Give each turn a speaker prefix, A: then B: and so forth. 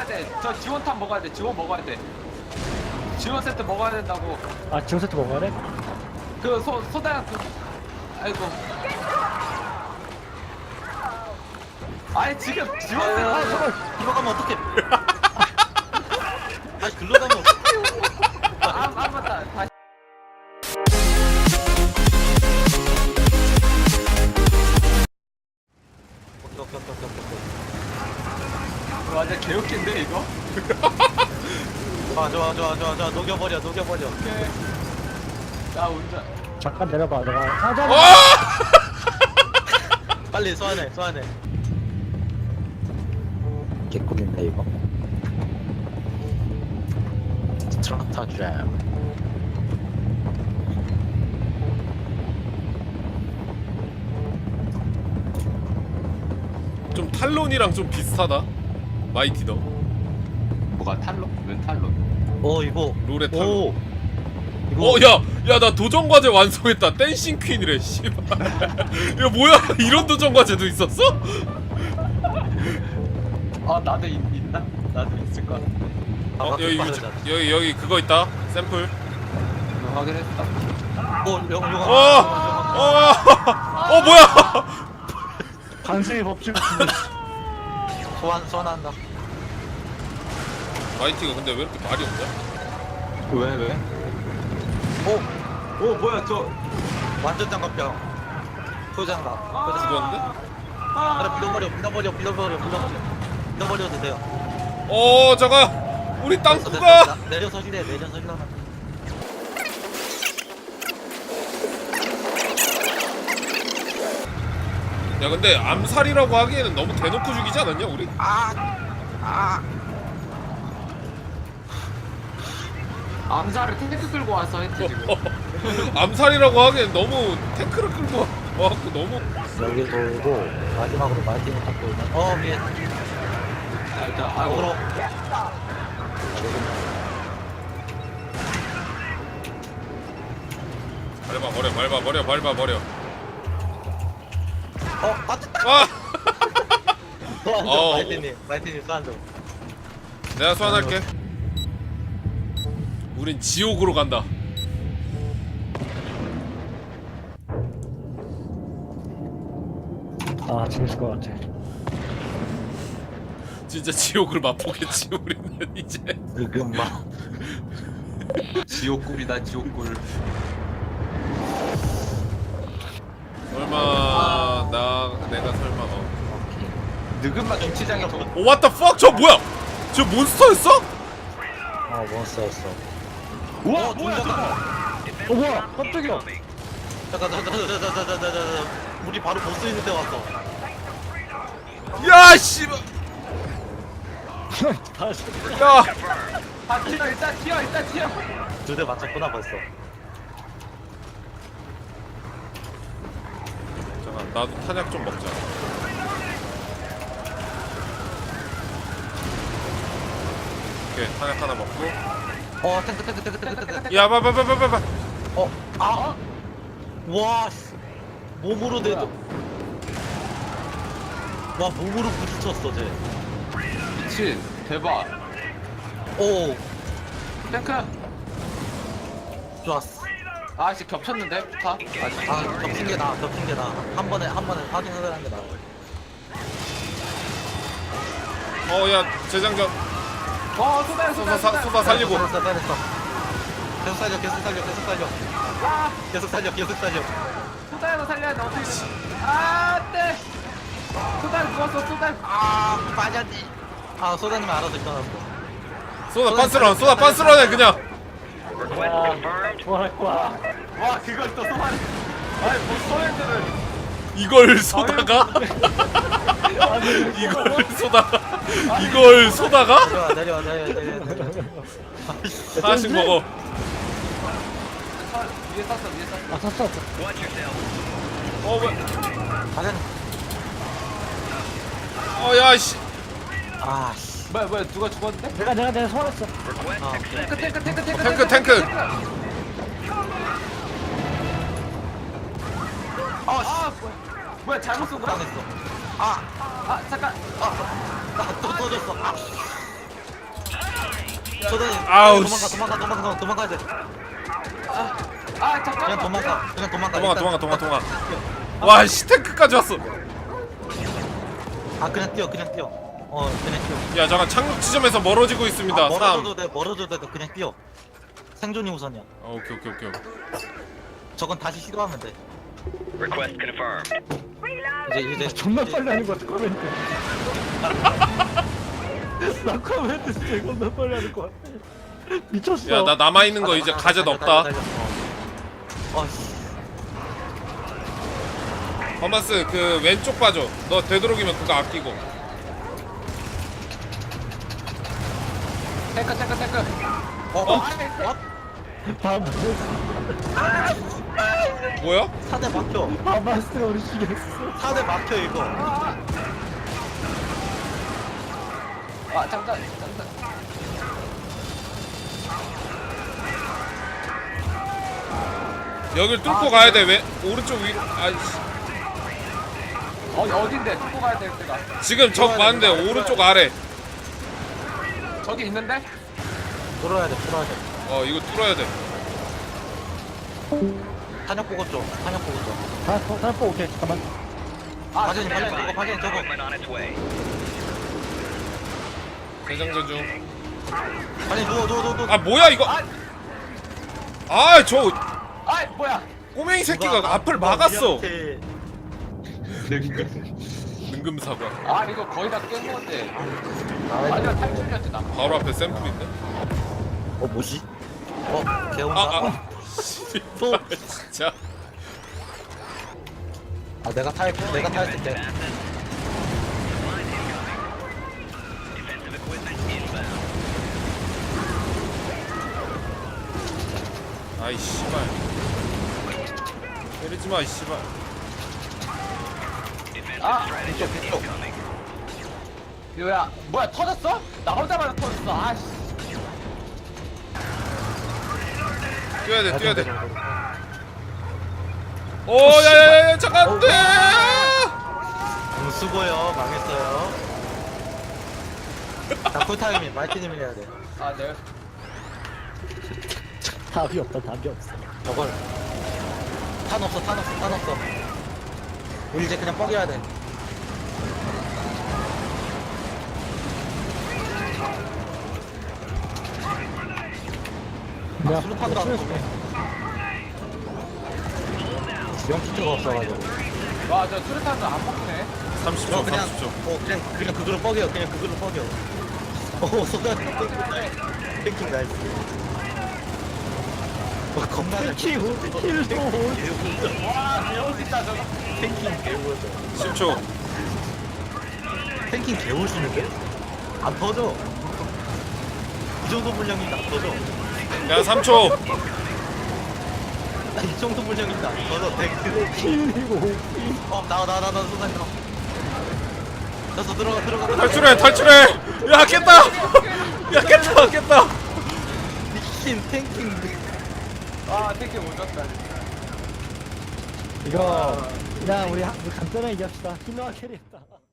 A: 돼. 저 지원탄 먹어야 돼. 지원 먹어야 돼. 지원 세트 먹어야 된다고.
B: 아 지원 세트 먹어야 돼?
A: 그 소다야 그. 아이고. 아니 지금 지원 세트.
C: 아 잠깐 글로 가면 어떡해 아니 글로 가면 어떡해
A: 아 맞다. 다시. 완전 개웃긴데 이거?
C: 좋아 녹여버려
A: 오케이. 나 운전.
B: 잠깐 내려봐 내가 하자.
C: 빨리 소환해
B: 개꿀인데 이거.
C: 스트라타 잼
D: 좀 탈론이랑 좀 비슷하다. 마이티더.
A: 뭐가 탈론? 웬 탈론?
C: 이거
D: 룰의 탈론.
C: 오 이거
D: 야 나 도전 과제 완성했다. 댄싱 퀸이래. 씨발. 야 뭐야? 이런 도전 과제도 있었어?
A: 아 나도 있나? 나도 있을 것 같아.
D: 여기 그거 있다. 샘플.
A: 확인했다.
C: 영화
D: 뭐야?
B: 반승의 법칙.
C: 소환한다
D: 마이티가 근데 왜 이렇게 말이 없냐?
A: 왜? 오 뭐야 저.
C: 완전 장갑병 소장갑
D: 죽었는데?
C: 밀어버려도 돼요
D: 잠깐. 우리 땅구가.
C: 내려서 힐해
D: 야 근데 암살이라고 하기에는 너무 대놓고 죽이지 않았냐 우리?
A: 암살을 탱크 끌고 와서 했지 지금.
D: 암살이라고 하기엔 너무 탱크를 끌고 와갖고 너무.
B: 여기 돌고 마지막으로 마이팅을 탁 돌면.
C: 위에
A: 일단
C: 어그로
D: 밟아.
C: 맞췄다
D: 아!
C: 마이틴님 쏘안줘
D: 내가 소환할게. 우린 지옥으로 간다.
B: 아 재밌을 것 같아.
D: 진짜 지옥을 맛보겠지 우리는 이제.
C: 으금마
A: 지옥굴이다 지옥굴.
D: 설마 내가 설마
A: 느긋마 김치장에 더.
D: what the fuck? 저 뭐야? 저 몬스터였어?
B: 아 몬스터였어.
A: 우와 뭐야 저거.
B: 뭐야 깜짝이야.
C: 잠깐 우리 바로 보스 있는 데 왔어
D: 야 씨발.
B: 다시.
D: 야.
A: 아 일단 튀어.
C: 2대 맞췄구나 벌써
D: 잠깐 나도 탄약 좀 먹자. 오케이 탄약 하나 먹고.
C: 탱크
D: 야 봐봐.
C: 와 씨. 몸으로 내도 와 몸으로 부딪혔어 쟤
A: 미친 대박.
C: 오
A: 탱크.
C: 좋았어
A: 아씨 겹쳤는데 다.
C: 겹친 게 나아 한 번에 확인을 하는 게 나아
D: 야 재장전.
A: 소다야.
D: 쏘다 살리고.
C: 됐어 계속 살려
A: 소다야 살려야 돼 어떻게. 네. 소다 누웠어 소다.
C: 빠졌지 소다님 알아서 일어났어
D: 쏘다 빤스런해 그냥.
B: 좋아할 거야.
A: 와 그걸 또 소환. 아니 뭐 소렌들을.
D: 이걸 쏘다가? 이걸 쏘다가?
C: 내려와
D: 하나씩 먹어.
A: 위에 쐈어.
B: 아 샀어.
C: 가자
D: 야씨.
C: 씨
A: 뭐야 누가 죽었는데?
B: 내가 소환했어.
D: 탱크.
A: 뭐야 잘못 쏜 거야?
C: 당했어
A: 잠깐.
C: 또 터졌어 저는
D: 아우,
C: 도망가야 돼.
A: 아 잠깐만.
C: 그냥 도망가.
D: 도망가. 와, 씨, 탱크까지 왔어.
C: 아 그냥 뛰어. 그냥 뛰어.
D: 야, 잠깐 착륙 지점에서 멀어지고 있습니다.
C: 아,
D: 3.
C: 멀어져도 돼. 그냥 뛰어. 생존이 우선이야.
D: 오케이.
C: 저건 다시 시도하면 돼.
E: Request confirmed.
C: 이제
B: 존나 빨리 하는 거 같아 커멘트. 나 커멘트 진짜 존나 빨리 하는 거 같아. 미쳤어.
D: 야, 나 남아 있는 거 이제 가젯 없다.
C: 씨.
D: 허마스 그 왼쪽 봐줘. 너 되도록이면 그거 아끼고.
A: 탱크.
D: 뭐야?
C: 4대 막혀.
B: 바마스가 우리 죽였어.
C: 4대 막혀 이거.
A: 아 잠깐.
D: 여길 뚫고 가야 돼. 왜 오른쪽 위로? 아이씨.
A: 어딘데? 뚫고 가야 될 때가.
D: 지금 적 많은데 오른쪽 아래.
A: 저기 있는데?
C: 돌아야 돼.
D: 이거 뚫어야 돼.
C: 탄약 보고 줘.
B: 다po 오케이 잠깐만.
C: 파견 저거.
E: Equipment on its way.
D: 대장전 중.
C: 아니 누워.
D: 아, 뭐야 이거? 아, 저
A: 아 뭐야?
D: 꼬맹이 새끼가 앞을 막았어.
C: 우리한테
D: 능금 사과.
A: 아 이거 거의 다 깬 건데. 아니야 탈출이었지 나.
D: 바로 앞에 샘플 있네.
C: 뭐지? 개운다. 또.
D: 진짜.
C: 내가 타였을게.
E: Defensive equipment inbound.
D: 아이 씨발. 때리지 마, 이 씨발.
E: Defensive strategy incoming.
A: 뭐야 터졌어? 나 혼자만 터졌어. 아씨.
D: 뛰어야 돼. 오, 야야야, 잠깐 안 돼.
C: 수고요. 망했어요. 자, 쿨타임이 마이티님이 해야 돼.
A: 아 내가
B: 답이 없어.
C: 저걸. 탄 없어. 우리 이제 그냥 뻐겨야 돼.
B: 내가
C: 수류탄도 안 쏘네. 지원 키트가 없어가지고.
A: 와저 수류탄도 안 먹네.
D: 30초.
C: 그냥 그걸로 뻐겨. 소가 탱킹 나이스. 겁나 잘.
B: 킬도
A: 와 배우 진짜 저거.
C: 탱킹 개우죠.
D: 10초.
C: 탱킹 개우시는데? 안 터져. 이 정도 분량인데 안 터져.
D: 야, 3초.
C: 이 정도 분량인데 안 터져. 탱크.
B: 킬이고.
C: 나와 순간 나와. 됐어 들어가.
D: 탈출해. 야, 깼다.
C: 미친 탱킹.
A: 아 탱크 못 졌다.
B: 이거 그냥 우리 간단하게 얘기합시다. 힐러가 캐리했다.